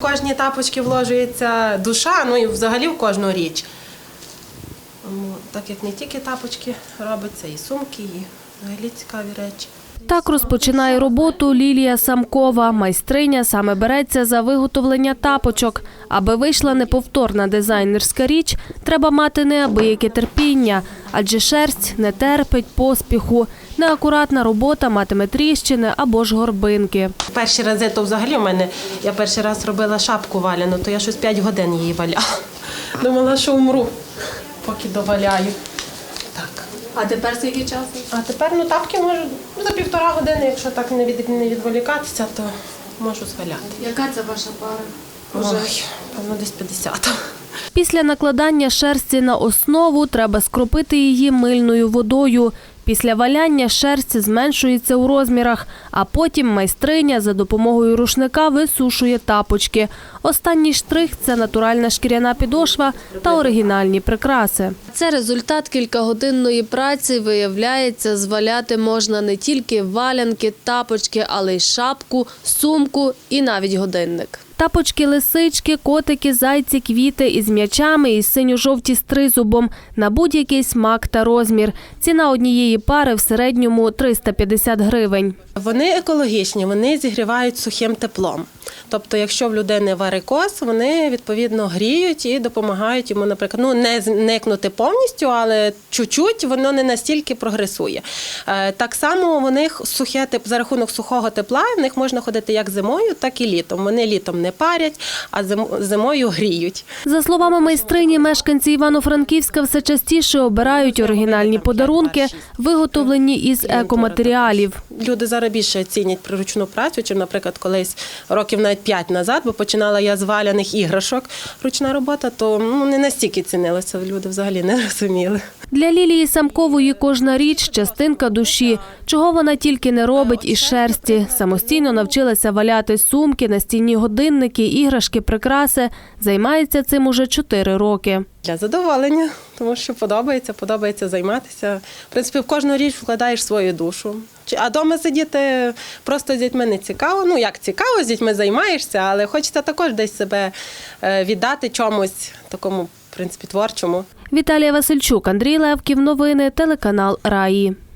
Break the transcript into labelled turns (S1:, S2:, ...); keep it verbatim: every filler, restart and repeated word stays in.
S1: В кожні тапочки вложується душа, ну і взагалі в кожну річ. Так як не тільки тапочки робиться, і сумки, і взагалі цікаві речі.
S2: Так розпочинає роботу Лілія Самкова. Майстриня саме береться за виготовлення тапочок. Аби вийшла неповторна дизайнерська річ, треба мати неабияке терпіння, адже шерсть не терпить поспіху. Неакуратна робота матиме тріщини або ж горбинки.
S1: Перші рази, то взагалі в мене, я перший раз робила шапку валяну, то я щось п'ять годин її валяла. Думала, що умру, поки доваляю. Так.
S2: А тепер скільки часу?
S1: А тепер ну, тапки можу за півтора години, якщо так не, від, не відволікатися, то можу зваляти.
S2: Яка це ваша пара?
S1: Ой, певно, десь п'ятдесят.
S2: Після накладання шерсті на основу треба скропити її мильною водою. Після валяння шерсть зменшується у розмірах, а потім майстриня за допомогою рушника висушує тапочки. Останній штрих – це натуральна шкіряна підошва та оригінальні прикраси. Це результат кількагодинної праці. Виявляється, зваляти можна не тільки валянки, тапочки, але й шапку, сумку і навіть годинник. Тапочки, лисички, котики, зайці, квіти із м'ячами і синьо-жовті з тризубом на будь-який смак та розмір. Ціна однієї пари в середньому триста п'ятдесят гривень.
S1: Вони екологічні, вони зігрівають сухим теплом. Тобто, якщо в людини варикоз, вони, відповідно, гріють і допомагають йому, наприклад, ну, не зникнути повністю, але чуть-чуть воно не настільки прогресує. Так само у них сухе, за рахунок сухого тепла, в них можна ходити як зимою, так і літом. Вони літом не парять, а зимою гріють.
S2: За словами майстрині, мешканці Івано-Франківська все частіше обирають оригінальні подарунки, виготовлені із екоматеріалів.
S1: Люди зараз більше цінять приручну працю, чим, наприклад, колись років навіть п'ять назад, бо починала я з валяних іграшок, ручна робота, то ну, не настільки цінилося, люди взагалі не розуміли.
S2: Для Лілії Самкової кожна річ – частинка душі. Чого вона тільки не робить із шерсті. Самостійно навчилася валяти сумки, настінні годинники, іграшки, прикраси. Займається цим уже чотири роки.
S1: Для задоволення, тому що подобається, подобається займатися. В принципі, в кожну річ вкладаєш свою душу. А вдома сидіти просто з дітьми не цікаво. Ну, як цікаво, з дітьми займаєшся, але хочеться також десь себе віддати чомусь такому, в принципі, творчому.
S2: Віталія Васильчук, Андрій Левків. Новини, телеканал Раї.